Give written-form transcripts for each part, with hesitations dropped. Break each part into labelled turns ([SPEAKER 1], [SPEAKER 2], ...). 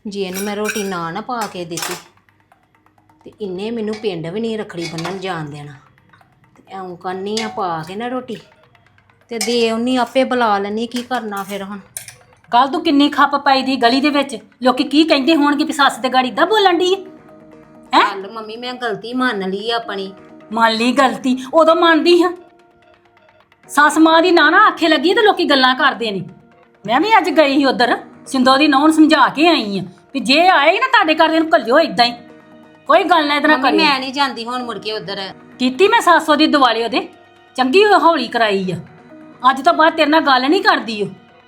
[SPEAKER 1] ਜੇ ਇਹਨੂੰ ਮੈਂ ਰੋਟੀ ਨਾ ਪਾ ਕੇ ਦਿੱਤੀ ਤੇ ਇਹਨੇ ਮੈਨੂੰ ਪਿੰਡ ਵੀ ਨਹੀਂ ਰੱਖੜੀ ਬੰਨਣ ਜਾਣ ਦੇਣਾ। ਤੇ ਐਉਂ ਕਰਨੀ ਆ, ਪਾ ਕੇ ਨਾ ਰੋਟੀ ਤੇ ਦੇ ਉਹਨੀ ਆਪੇ ਬੁਲਾ ਲੈਣੀ। ਕੀ ਕਰਨਾ ਫਿਰ ਹੁਣ?
[SPEAKER 2] ਕੱਲ ਤੂੰ ਕਿੰਨੀ ਖੱਪ ਪਾਈ ਦੀ ਗਲੀ ਦੇ ਵਿੱਚ, ਲੋਕੀ ਕੀ ਕਹਿੰਦੇ ਹੋਣਗੇ ਵੀ ਸੱਸ ਤੇ ਗਾੜੀ ਦਾ ਬੋਲਣ ਦੀ ਹੈ।
[SPEAKER 1] ਚੱਲ ਮੰਮੀ ਮੈਂ ਗਲਤੀ ਮੰਨ ਲਈ ਆਪਣੀ।
[SPEAKER 2] ਮੰਨ ਲਈ ਗਲਤੀ, ਉਦੋਂ ਮੰਨਦੀ ਹਾਂ। ਸੱਸ ਮਾਂ ਦੀ ਨਾ ਆਖੇ ਲੱਗੀ ਤੇ ਲੋਕੀ ਗੱਲਾਂ ਕਰਦੇ ਨੇ। ਮੈਂ ਵੀ ਅੱਜ ਗਈ ਸੀ ਉਧਰ, ਸਿੰਦੋ ਦੀ ਨੌਂ ਨੂੰ ਸਮਝਾ ਕੇ ਆਈ ਆ ਵੀ ਜੇ ਆਏ ਨਾ ਤੁਹਾਡੇ ਘਰ ਦੇ ਨੂੰ ਘੱਲਿਓ ਇਦਾਂ ਹੀ, ਕੋਈ ਗੱਲ ਨਾ ਇਤਨਾ ਕਰੀ।
[SPEAKER 1] ਮੈਂ ਨਹੀਂ ਜਾਂਦੀ ਹੁਣ ਮੁੜ ਕੇ ਉਧਰ।
[SPEAKER 2] ਕੀਤੀ ਮੈਂ ਸੱਸ ਦੀ ਦਿਵਾਲੀ ਉਹਦੇ ਚੰਗੀ ਹੌਲੀ ਕਰਾਈ ਆ। ਅੱਜ ਤੋਂ ਬਾਅਦ ਤੇਰੇ ਨਾਲ ਗੱਲ ਨਹੀਂ ਕਰਦੀ ਉਹ।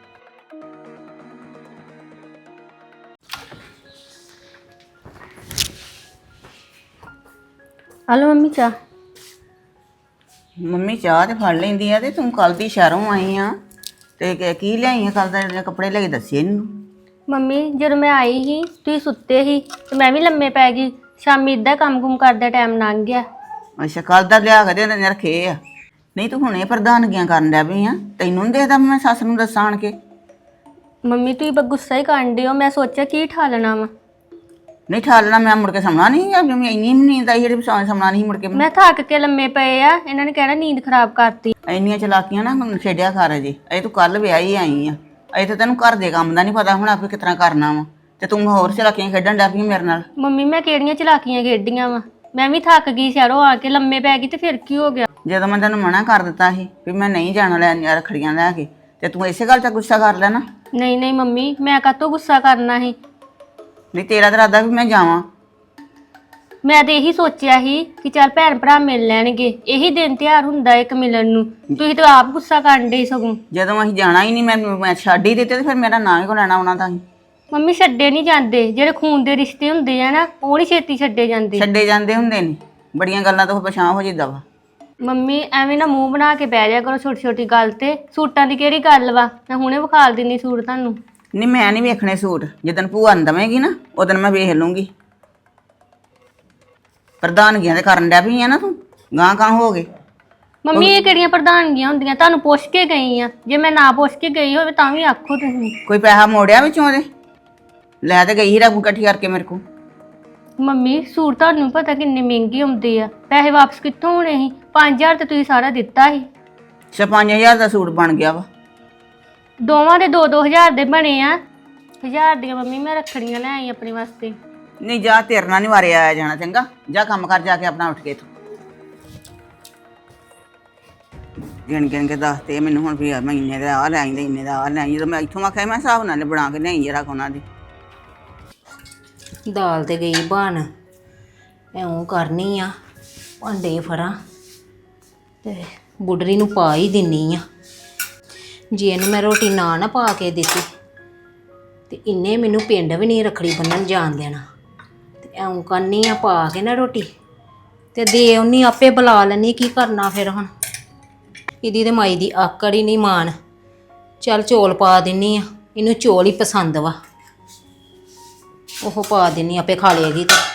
[SPEAKER 3] ਹਲੋ ਮੰਮੀ ਚਾਹ।
[SPEAKER 4] ਮੰਮੀ ਚਾਹ ਤੇ ਫੜ ਲੈਂਦੀ ਆ। ਤੇ ਤੂੰ ਕੱਲ ਦੀ ਸ਼ਹਿਰੋਂ ਆਈ ਆ ਤੇ ਕੀ ਲਿਆਈ ਆ? ਕੱਲ ਦੇ ਕੱਪੜੇ ਲੈ ਕੇ ਦੱਸੇ ਇਹਨੂੰ।
[SPEAKER 3] ਮੰਮੀ ਜਦੋਂ ਮੈਂ ਆਈ ਸੀ ਤੁਸੀਂ ਸੁੱਤੇ ਸੀ ਤੇ ਮੈਂ ਵੀ ਲੰਮੇ ਪੈ ਗਈ। ਸ਼ਾਮੀ ਇਦਾਂ ਕੰਮ ਕਰਦਾ ਟਾਈਮ ਲੰਘ ਗਿਆ।
[SPEAKER 4] ਅੱਛਾ, ਕੱਲ ਦਾ ਲਿਆ ਕੇ ਦੇ ਰੱਖੇ ਆ। ਨਹੀਂ ਤੂੰ ਹੁਣੇ ਪ੍ਰਧਾਨਗੀਆਂ ਕਰਨ ਡਿਆ ਪਈ ਆ। ਤੈਨੂੰ ਨਹੀਂ ਦੇਖਦਾ ਮੈਂ ਸੱਸ ਨੂੰ ਦੱਸਾਂ ਆਣ ਕੇ?
[SPEAKER 3] ਮੰਮੀ ਤੁਸੀਂ ਬਸ ਗੁੱਸਾ ਹੀ ਕਰਨ ਡਏ ਹੋ। ਮੈਂ ਸੋਚਿਆ ਕੀ ਠਾਲਣਾ ਵਾ।
[SPEAKER 4] ਨਹੀਂ ਠਾਲਣਾ, ਮੈਂ ਮੁੜ ਕੇ ਸਮਣਾ ਨਹੀਂ। ਜਿਵੇਂ ਇੰਨੀ ਨੀਂਦ ਆਈ ਜਿਹੜੀ ਸਮਣਾ ਨਹੀਂ ਮੁੜ ਕੇ।
[SPEAKER 3] ਮੈਂ ਥੱਕ ਕੇ ਲੰਮੇ ਪਏ ਆ, ਇਹਨਾਂ ਨੇ ਕਹਿਣਾ ਨੀਂਦ ਖਰਾਬ ਕਰਤੀ।
[SPEAKER 4] ਇੰਨੀਆਂ ਚਲਾਕੀਆਂ ਨਾ ਹੁਣ ਛੇੜਿਆ ਕਰ ਜੇ। ਅਜੇ ਤੂੰ ਕੱਲ ਵਿਆਹੀ ਆਈ ਆ। ਅਜੇ ਤਾਂ ਤੈਨੂੰ ਘਰ ਦੇ ਕੰਮ ਦਾ ਨਹੀਂ ਪਤਾ ਹੁਣ ਆਪੇ ਕਿਸ ਤਰ੍ਹਾਂ ਕਰਨਾ ਵਾ। ਤੇ ਤੂੰ ਹੋਰ ਚਲਾਕੀਆਂ ਖੇਡਣ ਡਿਆ ਪਈ ਮੇਰੇ ਨਾਲ।
[SPEAKER 3] ਮੰਮੀ ਮੈਂ ਕਿਹੜੀਆਂ ਚਲਾਕੀਆਂ ਖੇਡੀਆਂ ਵਾ? ਮੈਂ ਵੀ ਥੱਕ ਗਈ ਸ਼ਹਿਰੋਂ ਆ ਕੇ ਲੰਮੇ ਪੈ ਗਈ ਤੇ ਫਿਰ ਕੀ ਹੋ ਗਿਆ?
[SPEAKER 4] ਜਦੋਂ ਮੈਂ ਤੈਨੂੰ ਮਨਾ ਕਰ ਦਿੱਤਾ ਸੀ ਵੀ ਮੈਂ ਨਹੀਂ ਜਾਣਾ ਲੈਣ ਰੱਖੜੀਆਂ ਲੈ ਕੇ, ਤੇ ਤੂੰ ਇਸੇ ਗੱਲ 'ਤੇ ਗੁੱਸਾ ਕਰ ਲੈਣਾ।
[SPEAKER 3] ਨਹੀਂ ਨਹੀਂ ਮੰਮੀ, ਮੈਂ ਕਾਹਤੋਂ ਗੁੱਸਾ ਕਰਨਾ ਸੀ?
[SPEAKER 4] ਨਹੀਂ ਤੇਰਾ ਤਾਂ ਇਰਾਦਾ ਵੀ ਮੈਂ ਜਾਵਾਂ।
[SPEAKER 3] ਮੈਂ ਤੇ ਇਹੀ ਸੋਚਿਆ ਸੀ ਕਿ ਚੱਲ ਭੈਣ ਭਰਾ ਮਿਲ ਲੈਣਗੇ, ਇਹੀ ਦਿਨ ਤਿਉਹਾਰ ਹੁੰਦਾ ਇੱਕ ਮਿਲਣ ਨੂੰ। ਤੁਸੀਂ ਤਾਂ ਆਪ ਗੁੱਸਾ ਕਰਨ ਡੇ ਸਗੋਂ।
[SPEAKER 4] ਜਦੋਂ ਅਸੀਂ ਜਾਣਾ ਹੀ ਨਹੀਂ, ਮੈਂ ਛੱਡ ਹੀ ਦਿੱਤੇ ਤੇ ਫਿਰ ਮੇਰਾ ਨਾਂ ਹੀ ਕੋ ਲੈਣਾ ਉਹਨਾਂ ਦਾ ਹੀ।
[SPEAKER 3] ਮੰਮੀ ਛੱਡੇ ਨਹੀਂ ਜਾਂਦੇ, ਜਿਹੜੇ ਖੂਨ ਦੇ ਰਿਸ਼ਤੇ ਹੁੰਦੇ ਆ ਨਾ ਉਹ ਨਹੀਂ ਛੇਤੀ ਛੱਡੇ ਜਾਂਦੇ।
[SPEAKER 4] ਛੱਡੇ ਜਾਂਦੇ ਹੁੰਦੇ ਨੇ, ਬੜੀਆਂ ਗੱਲਾਂ ਤੋਂ ਪਛਾਣ ਹੋ ਜਿੱਦਾਂ ਵਾ।
[SPEAKER 3] ਮੰਮੀ ਐਵੇਂ ਨਾ ਮੂੰਹ ਬਣਾ ਕੇ ਬਹਿ ਜਾ ਕਰੋ ਛੋਟੀ ਛੋਟੀ ਗੱਲ ਤੇ। ਸੂਟਾਂ ਦੀ ਕਿਹੜੀ ਗੱਲ ਵਾ? ਮੈਂ ਹੁਣੇ ਵਿਖਾਲ ਦਿੰਨੀ ਸੂਟ ਤੁਹਾਨੂੰ।
[SPEAKER 4] ਨਹੀਂ ਮੈਂ ਨਹੀਂ ਵੇਖਣੇ ਸੂਟ। ਜਿੱਦਣ ਭੂਆ ਨੂੰ ਦੇਵੇਂਗੀ ਨਾ ਉਦੋਂ ਮੈਂ ਵੇਖ ਲੂੰਗੀ। ਪ੍ਰਧਾਨਗੀਆਂ ਤੇ ਕਰਨ ਡਿਆ ਪਈ ਆ ਨਾ ਤੂੰ, ਗਾਂ ਗਾਂ ਹੋ ਗਏ।
[SPEAKER 3] ਮੰਮੀ ਇਹ ਕਿਹੜੀਆਂ ਪ੍ਰਧਾਨਗੀਆਂ ਹੁੰਦੀਆਂ? ਤੁਹਾਨੂੰ ਪੁੱਛ ਕੇ ਗਈ ਆ। ਜੇ ਮੈਂ ਨਾ ਪੁੱਛ ਕੇ ਗਈ ਹੋਵੇ ਤਾਂ ਵੀ ਆਖੋ ਤੁਸੀਂ।
[SPEAKER 4] ਕੋਈ ਪੈਸਾ ਮੋੜਿਆ ਵਿੱਚੋਂ ਉਹਦੇ? ਲੈ ਤੇ ਗਈ ਹੀ ਰਕਮ ਇਕੱਠੀ ਕਰਕੇ ਮੇਰੇ ਕੋਲ।
[SPEAKER 3] ਮੰਮੀ ਸੂਟ ਤੁਹਾਨੂੰ ਪਤਾ ਕਿੰਨੇ ਮਹਿੰਗੇ ਹੁੰਦੇ ਆ, ਪੈਸੇ ਵਾਪਸ ਕਿੱਥੋਂ ਹੋਣੇ ਸੀ? 5000 ਤੇ ਤੁਸੀਂ ਸਾਰਾ ਦਿੱਤਾ ਸੀ।
[SPEAKER 4] ਅੱਛਾ 5000 ਦਾ ਸੂਟ ਬਣ ਗਿਆ ਵਾ।
[SPEAKER 3] ਦੋਵਾਂ ਦੇ 2-2 ਹਜ਼ਾਰ ਦੇ ਬਣੇ ਆ। 1000 ਦੀਆਂ ਮੰਮੀ ਮੈਂ ਰੱਖੜੀਆਂ ਲੈ ਆਈ ਆਪਣੇ ਵਾਸਤੇ।
[SPEAKER 4] ਨਹੀਂ ਜਾ, ਤੇਰੇ ਨਾਲ ਨਹੀਂ ਵਾਰੇ ਆਇਆ ਜਾਣਾ। ਚੰਗਾ ਜਾ ਕੰਮ ਕਰ ਜਾ ਕੇ ਆਪਣਾ ਉੱਠ ਕੇ। ਤੂੰ ਗਿਣ ਗਿਣ ਕੇ ਦੱਸ ਤੇ ਮੈਨੂੰ ਹੁਣ ਵੀ ਮੈਂ ਇੰਨੇ ਦਾ ਆ ਲੈ ਆਈਂਦੇ, ਇੰਨੇ ਦਾ ਆ ਲੈ ਆਈ। ਜਦੋਂ ਮੈਂ ਇੱਥੋਂ ਆਖਿਆ ਮੈਂ ਹਿਸਾਬ ਨਾਲ ਬਣਾ ਕੇ ਲਿਆਈ ਜਰਾ ਉਹਨਾਂ ਦੀ।
[SPEAKER 1] ਦਾਲ ਤੇ ਗਈ ਬਣ, ਐਉਂ ਕਰਨੀ ਆ, ਭਾਂਡੇ ਫੜਾਂ ਤੇ ਬੁੱਢਰੀ ਨੂੰ ਪਾ ਹੀ ਦਿੰਨੀ ਆ। ਜੇ ਇਹਨੂੰ ਮੈਂ ਰੋਟੀ ਨਾ ਪਾ ਕੇ ਦਿੱਤੀ ਤੇ ਇਹਨੇ ਮੈਨੂੰ ਪਿੰਡ ਵੀ ਨਹੀਂ ਰੱਖੜੀ ਬੰਨਣ ਜਾਣ ਦੇਣਾ। ਤੇ ਐਉਂ ਕਰਨੀ ਆ, ਪਾ ਕੇ ਨਾ ਰੋਟੀ ਤੇ ਦੇ ਉਹਨੀ ਆਪੇ ਬੁਲਾ ਲੈਣੀ। ਕੀ ਕਰਨਾ ਫਿਰ ਹੁਣ? ਇਹਦੀ ਤੇ ਮਾਈ ਦੀ ਆਕੜ ਹੀ ਨਹੀਂ ਮਾਣ। ਚੱਲ ਚੌਲ ਪਾ ਦਿੰਨੀ ਆ, ਇਹਨੂੰ ਚੌਲ ਹੀ ਪਸੰਦ ਵਾ, ਉਹ ਪਾ ਦਿੰਨੀ ਆਪੇ ਖਾ ਲਏਗੀ। ਤੇ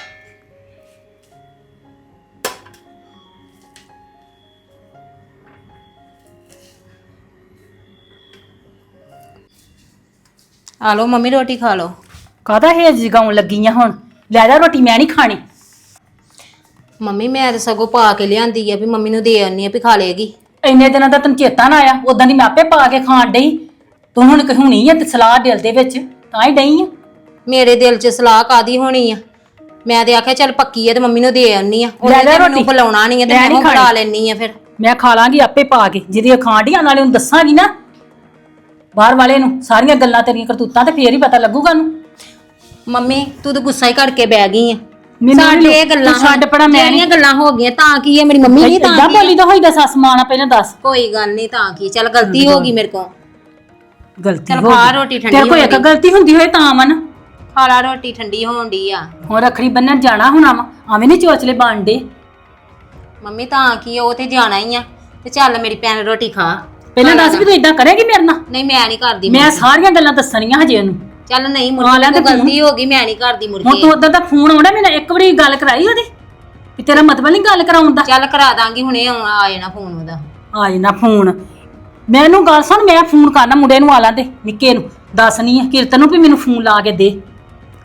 [SPEAKER 1] ਆ ਲਓ ਮੰਮੀ ਰੋਟੀ ਖਾ ਲਓ।
[SPEAKER 2] ਕਾਹਦਾ ਹੇਜ ਜਗਾਉਣ ਲੱਗੀ ਆ ਹੁਣ? ਲੈ ਜਾ ਰੋਟੀ, ਮੈਂ ਨਹੀਂ ਖਾਣੀ।
[SPEAKER 1] ਮੰਮੀ ਮੈਂ ਤਾਂ ਸਗੋਂ ਪਾ ਕੇ ਲਿਆਂਦੀ ਆ ਵੀ ਮੰਮੀ ਨੂੰ ਦੇ ਆਉਣੀ ਆ ਵੀ ਖਾ ਲਏਗੀ।
[SPEAKER 2] ਇੰਨੇ ਦਿਨਾਂ ਦਾ ਤੈਨੂੰ ਚੇਤਾ ਨਾ ਆਇਆ? ਉਦਾਂ ਦੀ ਮੈਂ ਆਪੇ ਪਾ ਕੇ ਖਾਣ ਡਈ। ਤੂੰ ਹੁਣ ਕਹੂਣੀ ਆ ਤੇ ਸਲਾਹ ਦਿਲ ਦੇ ਵਿੱਚ ਤਾਂ ਹੀ ਡਈ ਆ।
[SPEAKER 1] ਮੇਰੇ ਦਿਲ 'ਚ ਸਲਾਹ ਕਾਦੀ ਹੋਣੀ ਆ? ਮੈਂ ਤੇ ਆਖਿਆ ਚੱਲ ਪੱਕੀ ਆ ਤੇ ਮੰਮੀ ਨੂੰ ਦੇ ਆਉਣੀ ਆ। ਉਹਨੇ ਤਾਂ ਮੈਨੂੰ ਬੁਲਾਉਣਾ ਨਹੀਂ ਆ ਤੇ ਮੈਂ ਬੁਲਾ ਲੈਣੀ ਆ। ਫਿਰ
[SPEAKER 2] ਮੈਂ ਖਾ ਲਾਂਗੀ ਆਪੇ ਪਾ ਕੇ, ਜਿਹਦੀ ਖਾਣ ਡੀਆਂ ਨਾਲੇ ਉਹਨੂੰ ਦੱਸਾਂਗੀ ਨਾ ਬਾਹਰ ਵਾਲੇ ਨੂੰ ਸਾਰੀਆਂ ਗੱਲਾਂ ਤੇਰੀਆਂ ਕਰਤੂਤਾਂ, ਤੇ ਫੇਰ ਹੀ ਪਤਾ ਲੱਗੂਗਾ ਉਹਨੂੰ।
[SPEAKER 1] ਮੰਮੀ ਤੂੰ ਤਾਂ ਗੁੱਸਾ ਹੀ ਕਰਕੇ ਬਹਿ ਗਈ ਆ।
[SPEAKER 2] ਮੈਨੂੰ
[SPEAKER 1] ਸਾਡੇ ਇਹ ਗੱਲਾਂ
[SPEAKER 2] ਛੱਡ ਪੜਾ, ਮੈਂ
[SPEAKER 1] ਜਿਹੜੀਆਂ ਗੱਲਾਂ ਹੋ ਗਈਆਂ ਤਾਂ ਕੀ ਆ? ਮੇਰੀ ਮੰਮੀ ਨਹੀਂ ਤਾਂ
[SPEAKER 2] ਏਦਾਂ ਬੋਲੀ ਦਾ ਹੋਈਦਾ ਸੱਸ ਮਾਂ ਨਾਲ? ਪਹਿਲਾਂ ਦੱਸ।
[SPEAKER 1] ਕੋਈ ਗੱਲ ਨਹੀਂ ਤਾਂ ਕੀ, ਚੱਲ ਗਲਤੀ ਹੋ ਗਈ ਮੇਰੇ ਕੋਲ।
[SPEAKER 2] ਗਲਤੀ
[SPEAKER 1] ਚੱਲ
[SPEAKER 2] ਹੋ
[SPEAKER 1] ਖਾ
[SPEAKER 2] ਗਈ।
[SPEAKER 1] ਰੋਟੀ ਠੰਡੀ
[SPEAKER 2] ਤੇਰੇ ਕੋਲ ਇੱਕ ਗਲਤੀ ਹੁੰਦੀ ਹੋਏ ਤਾਂ ਮਨ
[SPEAKER 1] ਖਾ ਲਾ ਰੋਟੀ, ਠੰਡੀ ਹੋਣ ਡਈ ਆ।
[SPEAKER 2] ਹੁਣ ਰੱਖੜੀ ਬੰਨਣ ਜਾਣਾ ਹੁਣ ਆਵੇਂ ਨਹੀਂ ਚੋਚਲੇ ਬਣਦੇ।
[SPEAKER 1] ਮੰਮੀ ਤਾਂ ਕੀ, ਉਹ ਤੇ ਜਾਣਾ ਹੀ ਆ। ਤੇ ਚੱਲ ਮੇਰੀ ਭੈਣ ਰੋਟੀ ਖਾ।
[SPEAKER 2] ਪਹਿਲਾਂ ਦੱਸ ਵੀ ਤੂੰ ਏਦਾਂ ਕਰੇਗੀ ਮੇਰੇ ਨਾਲ?
[SPEAKER 1] ਨਹੀਂ ਮੈਂ ਨਹੀਂ ਕਰਦੀ।
[SPEAKER 2] ਮੈਂ ਸਾਰੀਆਂ ਗੱਲਾਂ ਦੱਸਣੀਆਂ ਹਜੇ ਉਹਨੂੰ।
[SPEAKER 1] ਚੱਲ ਨਹੀਂ ਮੁਰਕੀ ਤੋਂ ਗਲਤੀ ਹੋ ਗਈ, ਮੈਂ ਨਹੀਂ ਕਰਦੀ
[SPEAKER 2] ਹੁਣ
[SPEAKER 1] ਮੁਰਕੀ।
[SPEAKER 2] ਤੂੰ ਉਦੋਂ ਦਾ ਫੋਨ ਆਉਂਦਾ, ਮੈਨੂੰ ਇੱਕ ਵਾਰੀ ਗੱਲ ਕਰਾਈ ਉਹਦੀ ਵੀ ਤੇਰਾ ਮਤਲਬ ਨਹੀਂ ਗੱਲ ਕਰਾਉਣ ਦਾ?
[SPEAKER 1] ਚੱਲ ਕਰਾ ਦਾਂਗੀ, ਹੁਣੇ ਆ ਜਾਣਾ ਫੋਨ ਉਹਦਾ।
[SPEAKER 2] ਆ ਜਾਣਾ ਫੋਨ। ਮੈਨੂੰ ਗੱਲ ਸੁਣ, ਮੈਂ ਫੋਨ ਕਰਨਾ ਮੁੰਡੇ ਨੂੰ ਆ ਲਾਂਦੇ ਨਿੱਕੇ ਨੂੰ, ਦੱਸਣੀ ਆ ਕੀਰਤਨ ਨੂੰ ਵੀ ਮੈਨੂੰ ਫੋਨ ਲਾ ਕੇ ਦੇ।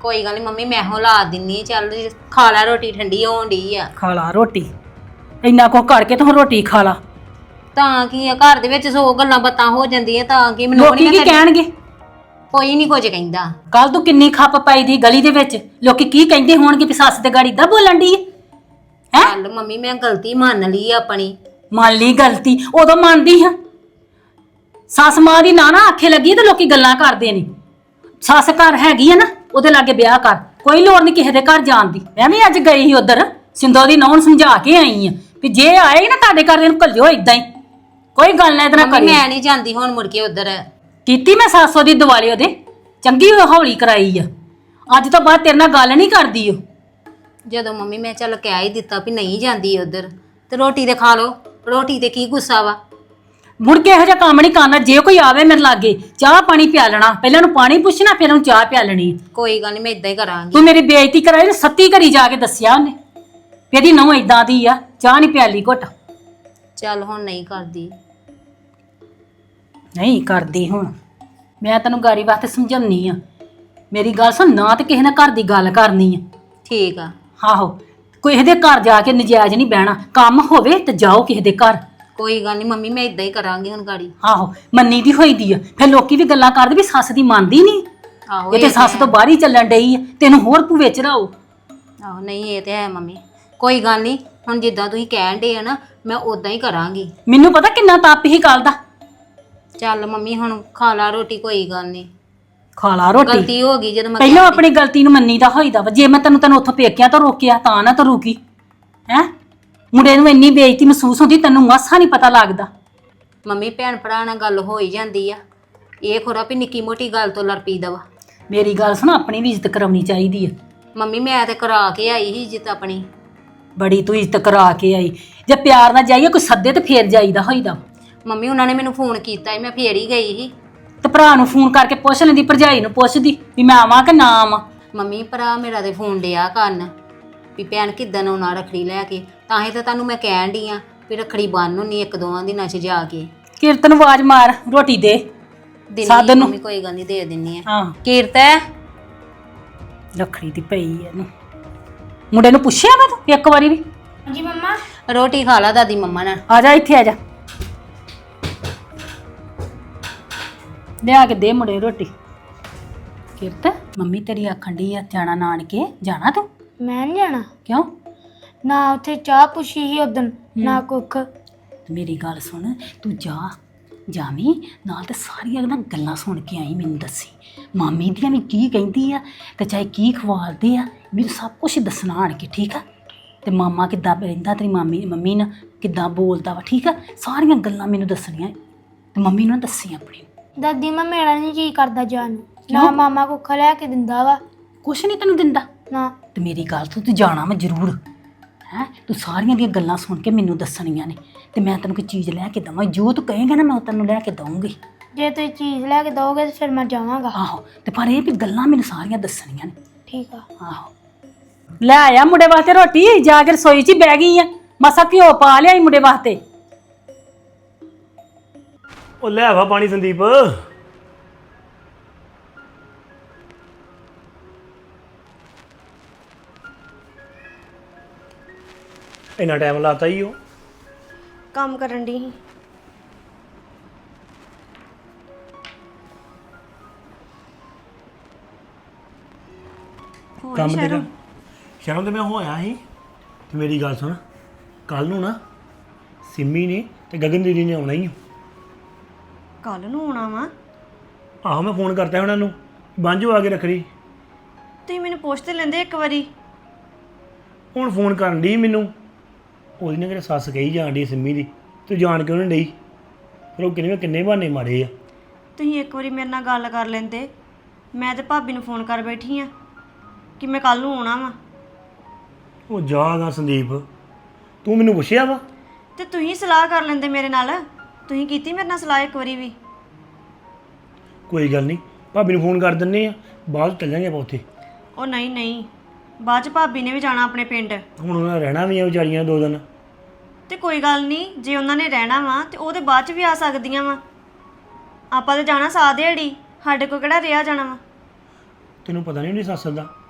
[SPEAKER 1] ਕੋਈ ਗੱਲ ਨਹੀਂ ਮੰਮੀ ਮੈਂ ਹੋ ਲਾ ਦਿੰਨੀ ਆਂ। ਚੱਲ ਖਾ ਲੈ ਰੋਟੀ, ਠੰਡੀ ਹੋਣ ਡਈ ਆ।
[SPEAKER 2] ਖਾ ਲਾ ਰੋਟੀ, ਇੰਨਾ ਕੁ ਕਰਕੇ ਤੂੰ ਰੋਟੀ ਖਾ ਲਾ।
[SPEAKER 1] ਤਾਂ ਕੀ ਆ, ਘਰ ਦੇ ਵਿੱਚ 100 ਗੱਲਾਂ ਬਾਤਾਂ ਹੋ ਜਾਂਦੀਆਂ, ਤਾਂ ਕੀ ਮੈਨੂੰ
[SPEAKER 2] ਲੋਕੀ ਕੀ ਕਹਿਣਗੇ?
[SPEAKER 1] ਕੋਈ ਨਹੀਂ ਕੁਝ ਕਹਿੰਦਾ।
[SPEAKER 2] ਕੱਲ ਤੂੰ ਕਿੰਨੀ ਖੱਪ ਪਾਈ ਦੀ ਗਲੀ ਦੇ ਵਿੱਚ, ਲੋਕੀ ਕੀ ਕਹਿੰਦੇ ਹੋਣਗੇ ਵੀ ਸੱਸ ਤੇ ਗਾੜੀ ਦਾ ਬੋਲਣ ਦੀ ਹੈ।
[SPEAKER 1] ਚੱਲ ਮੰਮੀ ਮੈਂ ਗਲਤੀ ਮੰਨ ਲਈ ਆ ਆਪਣੀ।
[SPEAKER 2] ਮੰਨ ਲਈ ਗਲਤੀ, ਉਦੋਂ ਮੰਨਦੀ ਹਾਂ। ਸੱਸ ਮਾਂ ਦੀ ਨਾ ਆਖੇ ਲੱਗੀ ਤੇ ਲੋਕੀ ਗੱਲਾਂ ਕਰਦੇ ਨੇ। ਸੱਸ ਘਰ ਹੈਗੀ ਆ ਨਾ, ਉਹਦੇ ਲਾਗੇ ਵਿਆਹ ਕਰ, ਕੋਈ ਲੋੜ ਨਹੀਂ ਕਿਸੇ ਦੇ ਘਰ ਜਾਣ ਦੀ। ਮੈਂ ਵੀ ਅੱਜ ਗਈ ਸੀ ਉਧਰ, ਸਿੰਦੋ ਦੀ ਨੌਂ ਸਮਝਾ ਕੇ ਆਈ ਆ ਵੀ ਜੇ ਆਏ ਨਾ ਤੁਹਾਡੇ ਘਰ ਇਹਨੂੰ ਘੱਲਿਓ ਇਦਾਂ ਹੀ, ਕੋਈ ਗੱਲ ਨਾ ਇਹਦੇ ਨਾਲ ਕਰੀ।
[SPEAKER 1] ਮੈਂ ਨਹੀਂ ਜਾਂਦੀ ਹੁਣ ਮੁੜ ਕੇ ਉਧਰ।
[SPEAKER 2] ਕੀਤੀ ਮੈਂ ਸਾਸੋ ਦੀ ਦਿਵਾਲੀ ਉਹਦੇ, ਚੰਗੀ ਹੌਲੀ ਕਰਾਈ ਆ। ਅੱਜ ਤੋਂ ਬਾਅਦ ਤੇਰੇ ਨਾਲ ਗੱਲ ਨਹੀਂ ਕਰਦੀ ਉਹ।
[SPEAKER 1] ਜਦੋਂ ਮੰਮੀ ਮੈਂ ਚੱਲ ਕਹਿ ਹੀ ਦਿੱਤਾ ਵੀ ਨਹੀਂ ਜਾਂਦੀ ਉਧਰ, ਤੇ ਰੋਟੀ ਤੇ ਖਾ ਲਓ। ਰੋਟੀ ਤੇ ਕੀ ਗੁੱਸਾ ਵਾ?
[SPEAKER 2] ਮੁੜ ਕੇ ਇਹੋ ਜਿਹਾ ਕੰਮ ਨਹੀਂ ਕਰਨਾ। ਜੇ ਕੋਈ ਆਵੇ ਮੇਰੇ ਲਾਗੇ, ਚਾਹ ਪਾਣੀ ਪਿਆ ਲੈਣਾ, ਪਹਿਲਾਂ ਉਹਨੂੰ ਪਾਣੀ ਪੁੱਛਣਾ, ਫਿਰ ਉਹਨੂੰ ਚਾਹ ਪਿਆ ਲੈਣੀ।
[SPEAKER 1] ਕੋਈ ਗੱਲ ਨਹੀਂ, ਮੈਂ ਇਦਾਂ ਹੀ ਕਰਾਂਗੀ।
[SPEAKER 2] ਤੂੰ ਮੇਰੀ ਬੇਇੱਜ਼ਤੀ ਕਰਾਈ ਨਾ, ਸੱਤੀ ਘਰੀ ਜਾ ਕੇ ਦੱਸਿਆ ਉਹਨੇ ਵੀ ਇਹਦੀ ਨਹੁੰ ਇਦਾਂ ਦੀ ਆ, ਚਾਹ ਨਹੀਂ ਪਿਆਲੀ ਘੁੱਟ।
[SPEAKER 1] ਚੱਲ ਹੁਣ ਨਹੀਂ ਕਰਦੀ।
[SPEAKER 2] ਨਹੀਂ ਕਰਦੀ ਹੁਣ। ਮੈਂ ਤੈਨੂੰ ਗਾਰੀ ਵਾਸਤੇ ਸਮਝਾਉਣੀ ਆ, ਮੇਰੀ ਗੱਲ ਸੁਣ, ਨਾ ਤੇ ਕਿਸੇ ਨਾਲ ਘਰ ਦੀ ਗੱਲ ਕਰਨੀ ਆ।
[SPEAKER 1] ਠੀਕ ਆ।
[SPEAKER 2] ਆਹੋ, ਕੋਈ ਇਹਦੇ ਘਰ ਜਾ ਕੇ ਨਜਾਇਜ਼ ਨਹੀਂ ਬਹਿਣਾ। ਕੰਮ ਹੋਵੇ ਤੇ ਜਾਓ ਕਿਸੇ ਦੇ ਘਰ।
[SPEAKER 1] ਕੋਈ ਗੱਲ ਨਹੀਂ ਮੰਮੀ, ਮੈਂ ਇਦਾਂ ਹੀ ਕਰਾਂਗੀ ਹੁਣ ਗਾੜੀ।
[SPEAKER 2] ਆਹੋ, ਮੰਨੀ ਦੀ ਹੋਈ ਦੀ ਆ, ਫਿਰ ਲੋਕੀ ਵੀ ਗੱਲਾਂ ਕਰਦੇ ਵੀ ਸੱਸ ਦੀ ਮੰਨਦੀ ਨਹੀਂ।
[SPEAKER 1] ਆਹੋ
[SPEAKER 2] ਇਹ ਤੇ ਸੱਸ ਤੋਂ ਬਾਹਰ ਹੀ ਚੱਲਣ ਡਈ ਆ, ਤੈਨੂੰ ਹੋਰ ਭੂਵੇ ਚ ਰਹੋ।
[SPEAKER 1] ਆਹੋ ਨਹੀਂ, ਇਹ ਤੇ ਹੈ ਮੰਮੀ। ਕੋਈ ਗੱਲ ਨਹੀਂ, ਹੁਣ ਜਿੱਦਾਂ ਤੁਸੀਂ ਕਹਿਣ ਦੇ ਆ ਨਾ, ਮੈਂ ਉਦਾਂ ਹੀ ਕਰਾਂਗੀ।
[SPEAKER 2] ਮੈਨੂੰ ਪਤਾ ਕਿੰਨਾ ਤਪ ਹੀ ਕੱਲ ਦਾ।
[SPEAKER 1] ਚੱਲ ਮੰਮੀ ਹੁਣ ਖਾ ਲਾ ਰੋਟੀ, ਕੋਈ ਗੱਲ ਨਹੀਂ।
[SPEAKER 2] ਖਾ ਲਾ ਰੋਟੀ।
[SPEAKER 1] ਗਲਤੀ ਹੋ ਗਈ ਜਦੋਂ ਮੈਂ
[SPEAKER 2] ਪਹਿਲਾਂ ਆਪਣੀ ਗਲਤੀ ਨੂੰ ਮੰਨੀ ਦਾ ਹੋਈਦਾ ਵਾ। ਜੇ ਮੈਂ ਤੈਨੂੰ ਉੱਥੋਂ ਪੇਕਿਆਂ ਤੋਂ ਰੋਕਿਆ ਤਾਂ ਨਾ ਤੂੰ ਰੁਕੀ ਹੈ। ਮੁੰਡੇ ਨੂੰ ਇੰਨੀ ਬੇਇੱਜ਼ਤੀ ਮਹਿਸੂਸ ਹੁੰਦੀ, ਤੈਨੂੰ ਮਾਸਾ ਨਹੀਂ ਪਤਾ ਲੱਗਦਾ।
[SPEAKER 1] ਮੰਮੀ ਭੈਣ ਭਰਾ ਨਾਲ ਗੱਲ ਹੋ ਹੀ ਜਾਂਦੀ ਆ, ਇਹ ਖੋਰਾ ਵੀ ਨਿੱਕੀ ਮੋਟੀ ਗੱਲ ਤੋਂ ਲੜ ਪਈਦਾ ਵਾ।
[SPEAKER 2] ਮੇਰੀ ਗੱਲ ਸੁਣ, ਆਪਣੀ ਵੀ ਇੱਜ਼ਤ ਕਰਾਉਣੀ ਚਾਹੀਦੀ ਆ।
[SPEAKER 1] ਮੰਮੀ ਮੈਂ ਤੇ ਕਰਾ ਕੇ ਆਈ ਸੀ ਇੱਜ਼ਤ ਆਪਣੀ।
[SPEAKER 2] ਬੜੀ ਤੂੰ ਇੱਜ਼ਤ ਕਰਾ ਕੇ ਆਈ। ਜੇ ਪਿਆਰ ਨਾਲ ਜਾਈਏ, ਕੋਈ ਸੱਦੇ ਤੇ ਫੇਰ ਜਾਈਦਾ ਹੋਈਦਾ।
[SPEAKER 1] ਮੰਮੀ ਉਹਨਾਂ ਨੇ ਮੈਨੂੰ ਫੋਨ ਕੀਤਾ ਸੀ, ਮੈਂ ਫੇਰ ਹੀ ਗਈ ਸੀ।
[SPEAKER 2] ਤੇ ਭਰਾ ਨੂੰ ਫੋਨ ਕਰਕੇ ਪੁੱਛ ਲੈਂਦੀ, ਭਰਜਾਈ ਨੂੰ ਪੁੱਛਦੀ ਵੀ ਮੈਂ ਆਵਾਂ ਕਿ ਨਾ ਆਵਾਂ।
[SPEAKER 1] ਮੰਮੀ ਭਰਾ ਮੇਰਾ ਤੇ ਫੋਨ ਡਿਆ ਕਰਨ ਵੀ ਭੈਣ ਕਿੱਦਣ ਆਉਣਾ ਰੱਖੜੀ ਲੈ ਕੇ। ਤਾਂ ਹੀ ਤਾਂ ਤੁਹਾਨੂੰ ਮੈਂ ਕਹਿਣ ਡਈ ਆ ਵੀ ਰੱਖੜੀ ਬੰਨ ਹੁੰਨੀ 1-2 ਦਿਨਾਂ 'ਚ ਜਾ ਕੇ।
[SPEAKER 2] ਕੀਰਤ ਨੂੰ ਆਵਾਜ਼ ਮਾਰ, ਰੋਟੀ ਦੇ ਸਾਧ ਨੂੰ।
[SPEAKER 1] ਮੰਮੀ ਕੋਈ ਗੱਲ ਨਹੀਂ, ਦੇ ਦਿੰਨੀ ਆ।
[SPEAKER 2] ਹਾਂ,
[SPEAKER 1] ਕੀਰਤ
[SPEAKER 2] ਰੱਖੜੀ ਦੀ ਪਈ ਇਹਨੂੰ। ਮੁੰਡੇ ਨੂੰ ਪੁੱਛਿਆ ਵਾ ਤੂੰ ਇੱਕ ਵਾਰੀ ਵੀ?
[SPEAKER 3] ਹਾਂਜੀ ਮੰਮਾ।
[SPEAKER 1] ਰੋਟੀ ਖਾ ਲਾ ਦਾਦੀ ਮੰਮਾ ਨਾਲ।
[SPEAKER 2] ਆ ਜਾ ਇੱਥੇ ਆ ਜਾ, ਲਿਆ ਕੇ ਦੇ ਮੁੰਡੇ ਨੂੰ ਰੋਟੀ। ਕੀਰਤ, ਮੰਮੀ ਤੇਰੀ ਆਖਣ ਡਈ ਆ ਜਾਣਾ ਨਾਨਕੇ, ਜਾਣਾ ਤੂੰ?
[SPEAKER 3] ਮੈਂ ਨਹੀਂ ਜਾਣਾ।
[SPEAKER 2] ਕਿਉਂ?
[SPEAKER 3] ਨਾ ਉੱਥੇ ਚਾਹ ਪੁੱਛੀ ਸੀ ਉਦਣ, ਨਾ ਕੁੱਖ।
[SPEAKER 2] ਮੇਰੀ ਗੱਲ ਸੁਣ, ਤੂੰ ਜਾਵੀਂ ਨਾਲ ਤੇ ਸਾਰੀਆਂ ਨਾ ਗੱਲਾਂ ਸੁਣ ਕੇ ਆਈ, ਮੈਨੂੰ ਦੱਸੀ ਮਾਮੀ ਦੀਆਂ ਵੀ ਕੀ ਕਹਿੰਦੀ ਆ ਤੇ ਚਾਹੇ ਕੀ ਖਵਾਲਦੇ ਆ, ਮੈਨੂੰ ਸਭ ਕੁਝ ਦੱਸਣਾ ਆਣ ਕੇ, ਠੀਕ ਆ? ਤੇ ਮਾਮਾ ਕਿੱਦਾਂ ਰਹਿੰਦਾ, ਤੇਰੀ ਮੰਮੀ ਨਾਲ ਕਿੱਦਾਂ ਬੋਲਦਾ ਵਾ, ਠੀਕ ਆ? ਸਾਰੀਆਂ ਗੱਲਾਂ ਮੈਨੂੰ ਦੱਸਣੀਆਂ ਤੇ ਮੰਮੀ ਨੂੰ ਦੱਸੀ ਆਪਣੀ।
[SPEAKER 3] ਦਾਦੀ ਮੈਂ ਮੇਰਾ ਨਹੀਂ ਜੀ ਕਰਦਾ ਜਾਣ ਨੂੰ। ਨਾ ਮਾਮਾ ਕੁੱਖ ਲੈ ਕੇ ਦਿੰਦਾ ਵਾ।
[SPEAKER 2] ਕੁਛ ਨਹੀਂ ਤੈਨੂੰ ਦਿੰਦਾ
[SPEAKER 3] ਨਾ।
[SPEAKER 2] ਤੇ ਮੇਰੀ ਗੱਲ ਤੂੰ ਜਾਣਾ ਵਾ ਜ਼ਰੂਰ ਹੈ। ਤੂੰ ਸਾਰੀਆਂ ਦੀਆਂ ਗੱਲਾਂ ਸੁਣ ਕੇ ਮੈਨੂੰ ਦੱਸਣੀਆਂ ਨੇ ਤੇ ਮੈਂ ਤੈਨੂੰ ਕੋਈ ਚੀਜ਼ ਲੈ ਕੇ ਦਵਾਂ। ਜੋ ਤੂੰ ਕਹੇਂਗਾ ਨਾ, ਮੈਂ ਤੈਨੂੰ ਲੈ ਕੇ ਦਊਂਗੀ।
[SPEAKER 3] ਜੇ ਤੁਸੀਂ ਚੀਜ਼ ਲੈ ਕੇ ਦੋਗੇ ਤੇ ਫਿਰ ਮੈਂ ਜਾਵਾਂਗਾ।
[SPEAKER 2] ਆਹੋ, ਤੇ ਪਰ ਇਹ ਵੀ ਗੱਲਾਂ ਮੈਨੂੰ ਸਾਰੀਆਂ ਦੱਸਣੀਆਂ ਨੇ।
[SPEAKER 3] ਠੀਕ ਆ।
[SPEAKER 2] ਆਹੋ, ਲੈ ਆਇਆ ਮੁੰਡੇ ਵਾਸਤੇ ਰੋਟੀ, ਜਾ ਕੇ ਰਸੋਈ 'ਚ ਹੀ ਬਹਿ ਗਈ ਆ। ਮਸਾ ਘਿਓ ਪਾ ਲਿਆਈ ਮੁੰਡੇ ਵਾਸਤੇ।
[SPEAKER 5] ਉਹ ਲੈ ਆਵਾ ਪਾਣੀ ਸੰਦੀਪ। ਇੰਨਾ ਟਾਈਮ ਲਾਤਾ ਹੀ ਉਹ
[SPEAKER 6] ਕੰਮ ਕਰਨ ਦੀ ਸੀ।
[SPEAKER 5] ਕੰਮ ਤੇਰਾ ਸ਼ਰਮ ਤੇ ਮੈਂ ਹੋਇਆ ਸੀ। ਤੇ ਮੇਰੀ ਗੱਲ ਸੁਣ, ਕੱਲ ਨੂੰ ਨਾ ਸਿੰਮੀ ਨੇ ਤੇ ਗਗਨ ਦੀਦੀ ਨੇ ਆਉਣਾ ਹੀ।
[SPEAKER 6] ਕੱਲ ਨੂੰ ਆਉਣਾ ਵਾ?
[SPEAKER 5] ਆਹੋ, ਮੈਂ ਫੋਨ ਕਰਤਾ ਉਹਨਾਂ ਨੂੰ, ਬਾਂਝੋ ਆ ਕੇ ਰੱਖੜੀ।
[SPEAKER 6] ਤੁਸੀਂ ਮੈਨੂੰ ਪੁੱਛ ਤੇ ਲੈਂਦੇ ਇੱਕ ਵਾਰੀ।
[SPEAKER 5] ਹੁਣ ਫੋਨ ਕਰਨ ਦੀ ਮੈਨੂੰ, ਉਹਦੀ ਨਾ ਕਿਹੜਾ ਸੱਸ ਕਹੀ ਜਾਣ ਡਈ ਸਿੰਮੀ ਦੀ, ਤੂੰ ਜਾਣ ਕਿਉਂ ਨਹੀਂ ਡਈ? ਫਿਰ ਉਹ ਕਿੰਨੇ ਕਿੰਨੇ ਬਹਾਨੇ ਮਾਰੇ ਆ।
[SPEAKER 6] ਤੁਸੀਂ ਇੱਕ ਵਾਰੀ ਮੇਰੇ ਨਾਲ ਗੱਲ ਕਰ ਲੈਂਦੇ। ਮੈਂ ਤੇ ਭਾਬੀ ਨੂੰ ਫੋਨ ਕਰ ਬੈਠੀ ਆ ਕਿ ਮੈਂ ਕੱਲ ਨੂੰ ਆਉਣਾ ਵਾ।
[SPEAKER 5] ਉਹ ਜਾਗਾ ਸੰਦੀਪ, ਤੂੰ ਮੈਨੂੰ ਪੁੱਛਿਆ ਵਾ?
[SPEAKER 6] ਤੇ ਤੁਸੀਂ ਸਲਾਹ ਕਰ ਲੈਂਦੇ ਮੇਰੇ ਨਾਲ। ਤੁਸੀਂ ਕੀਤੀ ਮੇਰੇ ਨਾਲ ਸਲਾਹ ਇੱਕ ਵਾਰੀ ਵੀ?
[SPEAKER 5] ਕੋਈ ਗੱਲ ਨਹੀਂ, ਭਾਬੀ ਨੂੰ ਫੋਨ ਕਰ ਦਿੰਨੇ ਆ, ਬਾਅਦ 'ਚ ਚੱਲਾਂਗੇ ਆਪਾਂ ਉੱਥੇ।
[SPEAKER 6] ਉਹ ਨਹੀਂ ਨਹੀਂ, ਬਾਅਦ ਚ ਭਾਬੀ ਨੇ ਵੀ ਜਾਣਾ ਆਪਣੇ ਪਿੰਡ।
[SPEAKER 5] ਹੁਣ ਉਹਨਾਂ ਨੇ ਰਹਿਣਾ ਵੀ ਆ ਵਿਚਾਰੀਆਂ 2 ਦਿਨ।
[SPEAKER 6] ਤੇ ਕੋਈ ਗੱਲ ਨਹੀਂ, ਜੇ ਉਹਨਾਂ ਨੇ ਰਹਿਣਾ ਵਾ ਤੇ ਉਹ ਤੇ ਬਾਅਦ ਚ ਵੀ ਆ ਸਕਦੀਆਂ ਵਾ। ਆਪਾਂ ਤੇ ਜਾਣਾ ਸਾਹ ਦਿਹਾੜੀ, ਸਾਡੇ ਕੋਲ ਕਿਹੜਾ ਰਿਹਾ ਜਾਣਾ ਵਾ।
[SPEAKER 5] ਤੈਨੂੰ ਪਤਾ ਨਹੀਂ ਉਹਦੀ ਸੱਸ ਦਾ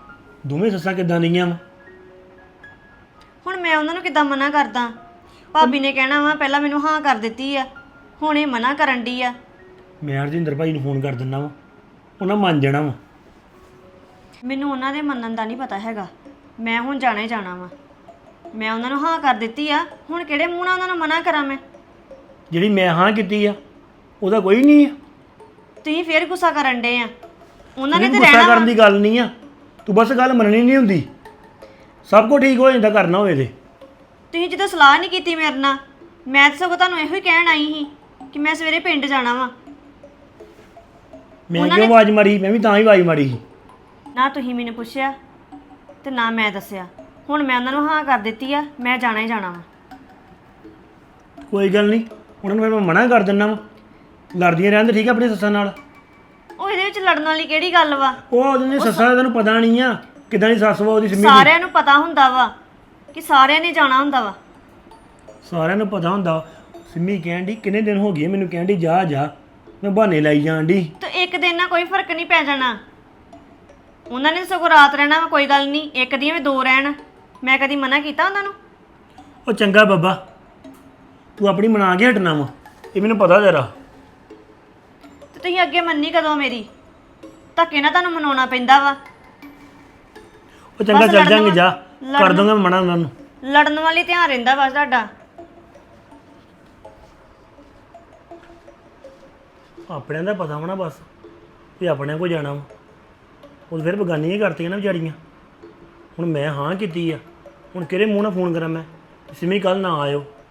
[SPEAKER 5] ਦੋਵੇਂ ਸੱਸਾਂ ਕਿੱਦਾਂ ਦੀਆਂ ਵਾ?
[SPEAKER 6] ਹੁਣ ਮੈਂ ਉਹਨਾਂ ਨੂੰ ਕਿੱਦਾਂ ਮਨਾ ਕਰਦਾ? ਭਾਬੀ ਨੇ ਕਹਿਣਾ ਵਾ ਪਹਿਲਾਂ ਮੈਨੂੰ ਹਾਂ ਕਰ ਦਿੱਤੀ ਆ, ਹੁਣ ਇਹ ਮਨਾ ਕਰਨ ਡਈ ਆ।
[SPEAKER 5] ਮੈਂ ਹਰਜਿੰਦਰ ਭਾਈ ਨੂੰ ਫੋਨ ਕਰ ਦਿੰਦਾ ਵਾ, ਉਹਨਾਂ ਮੰਨ ਜਾਣਾ ਵਾ।
[SPEAKER 6] ਮੈਨੂੰ ਉਹਨਾਂ ਦੇ ਮੰਨਣ ਦਾ ਨਹੀਂ ਪਤਾ ਹੈਗਾ, ਮੈਂ ਹੁਣ ਜਾਣਾ ਹੀ ਜਾਣਾ ਵਾ। ਮੈਂ ਉਹਨਾਂ ਨੂੰ ਹਾਂ ਕਰ ਦਿੱਤੀ ਆ, ਹੁਣ ਕਿਹੜੇ ਮੂੰਹ ਨਾਲ ਉਹਨਾਂ ਨੂੰ ਮਨਾ ਕਰਾਂ ਮੈਂ?
[SPEAKER 5] ਜਿਹੜੀ ਮੈਂ ਹਾਂ ਕੀਤੀ ਆ ਉਹਦਾ ਕੋਈ ਨਹੀਂ ਆ।
[SPEAKER 6] ਤੁਸੀਂ ਫੇਰ ਗੁੱਸਾ ਕਰਨ ਡੇ ਆ। ਉਹਨਾਂ ਨੇ
[SPEAKER 5] ਨਹੀਂ,
[SPEAKER 6] ਤੇ
[SPEAKER 5] ਗੁੱਸਾ
[SPEAKER 6] ਰਹਿਣਾ
[SPEAKER 5] ਕਰਨ
[SPEAKER 6] ਵਾ।
[SPEAKER 5] ਦੀ ਗੱਲ ਨਹੀਂ ਆ, ਤੂੰ ਬਸ ਗੱਲ ਮੰਨਣੀ ਨਹੀਂ ਹੁੰਦੀ। ਸਭ ਕੁਝ ਠੀਕ ਹੋ ਜਾਂਦਾ ਕਰਨਾ ਹੋਵੇ ਤੇ।
[SPEAKER 6] ਤੁਸੀਂ ਜਦੋਂ ਸਲਾਹ ਨਹੀਂ ਕੀਤੀ ਮੇਰੇ ਨਾਲ, ਮੈਂ ਤਾਂ ਸਗੋਂ ਤੁਹਾਨੂੰ ਇਹੋ ਹੀ ਕਹਿਣ ਆਈ ਸੀ ਕਿ ਮੈਂ ਸਵੇਰੇ ਪਿੰਡ ਜਾਣਾ ਵਾ।
[SPEAKER 5] ਮੈਂ ਕਿਉਂ ਆਵਾਜ਼ ਮਾਰੀ? ਮੈਂ ਵੀ ਤਾਂ ਹੀ ਆਵਾਜ਼ ਮਾਰੀ ਸੀ।
[SPEAKER 6] ਨਾ ਤੁਸੀਂ ਮੈਨੂੰ ਪੁੱਛਿਆ ਤੇ ਨਾ ਮੈਂ ਦੱਸਿਆ। ਹੁਣ ਮੈਂ ਉਹਨਾਂ ਨੂੰ ਹਾਂ ਕਰ ਦਿੱਤੀ ਆ, ਮੈਂ ਜਾਣਾ ਹੀ ਜਾਣਾ ਵਾ।
[SPEAKER 5] ਕੋਈ ਗੱਲ ਨਹੀਂ, ਉਹਨਾਂ ਨੂੰ ਫਿਰ ਮੈਂ ਮਨਾ ਕਰ ਦਿੰਦਾ ਵਾ। ਲੜਦੀਆਂ ਰਹਿੰਦੇ ਠੀਕ ਆ ਆਪਣੀ ਸੱਸਾਂ ਨਾਲ।
[SPEAKER 6] ਉਹ ਇਹਦੇ ਵਿੱਚ ਲੜਨ ਵਾਲੀ ਕਿਹੜੀ ਗੱਲ ਵਾ?
[SPEAKER 5] ਉਹ ਉਹਦੀ ਸੱਸਾਂ ਦਾ ਤੈਨੂੰ ਪਤਾ ਨਹੀਂ ਆ ਕਿਦਾਂ ਦੀ ਸੱਸ ਵਾ ਉਹਦੀ ਸਿੰਮੀ ਦੀ।
[SPEAKER 6] ਸਾਰਿਆਂ ਨੂੰ ਪਤਾ ਹੁੰਦਾ ਵਾ ਕਿ ਸਾਰਿਆਂ ਨੇ ਜਾਣਾ ਹੁੰਦਾ ਵਾ।
[SPEAKER 5] ਸਾਰਿਆਂ ਨੂੰ ਪਤਾ ਹੁੰਦਾ। ਸਿੰਮੀ ਕਹਿਣ ਦੀ ਕਿੰਨੇ ਦਿਨ ਹੋ ਗਏ ਮੈਨੂੰ ਕਹਿਣ ਦੀ ਜਾ ਜਾ, ਮੈਂ ਬਹਾਨੇ ਲਾਈ ਜਾਣ ਦੀ।
[SPEAKER 6] ਤੇ ਇੱਕ ਦਿਨ ਨਾਲ ਕੋਈ ਫਰਕ ਨਹੀਂ ਪੈ ਜਾਣਾ। ਉਹਨਾਂ ਨੇ ਸਗੋਂ ਰਾਤ ਰਹਿਣਾ ਵਾ, ਕੋਈ ਗੱਲ ਨਹੀਂ, ਇੱਕ ਦੀਆਂ ਵੀ ਦੋ ਰਹਿਣ। ਮੈਂ ਕਦੀ ਮਨਾ ਕੀਤਾ ਉਹਨਾਂ ਨੂੰ?
[SPEAKER 5] ਉਹ ਚੰਗਾ ਬਾਬਾ, ਤੂੰ ਆਪਣੀ ਮਨਾ ਕੇ ਹਟਣਾ ਵਾ, ਇਹ ਮੈਨੂੰ ਪਤਾ ਜਰਾ।
[SPEAKER 6] ਤੇ ਤੁਸੀਂ ਅੱਗੇ ਮੰਨੀ ਕਦੋਂ ਮੇਰੀ? ਧੱਕੇ ਨਾਲ ਤੁਹਾਨੂੰ ਮਨਾਉਣਾ ਪੈਂਦਾ ਵਾ।
[SPEAKER 5] ਉਹ ਚੰਗਾ
[SPEAKER 6] ਬਸ
[SPEAKER 5] ਚੱਲ ਜਾਂਗੇ,
[SPEAKER 6] ਲੜਨ-
[SPEAKER 5] ਜਾ ਕਰ
[SPEAKER 6] ਲੜਨ-
[SPEAKER 5] ਦੂੰਗਾ ਮੈਂ ਮਨਾ ਉਹਨਾਂ ਨੂੰ।
[SPEAKER 6] ਲੜਨ ਵਾਲੀ ਧਿਆਨ ਰਹਿੰਦਾ ਬਸ ਤੁਹਾਡਾ।
[SPEAKER 5] ਆਪਣਿਆਂ ਦਾ ਪਤਾ ਹੋਣਾ ਬਸ ਵੀ ਆਪਣਿਆਂ ਕੋਲ ਜਾਣਾ ਵਾ। ਉਹ ਫਿਰ ਬਗਾਨੀਆਂ ਹੀ ਕਰਤੀਆਂ ਨਾ ਵਿਚਾਰੀਆਂ। ਹੁਣ ਮੈਂ ਹਾਂ ਕੀਤੀ ਆ, ਹੁਣ ਕਿਹੜੇ ਮੂੰਹ ਨਾਲ ਫੋਨ ਕਰਾਂ ਮੈਂ? ਸਿੰਮੀ ਕੱਲ ਨਾ ਆਇਓ,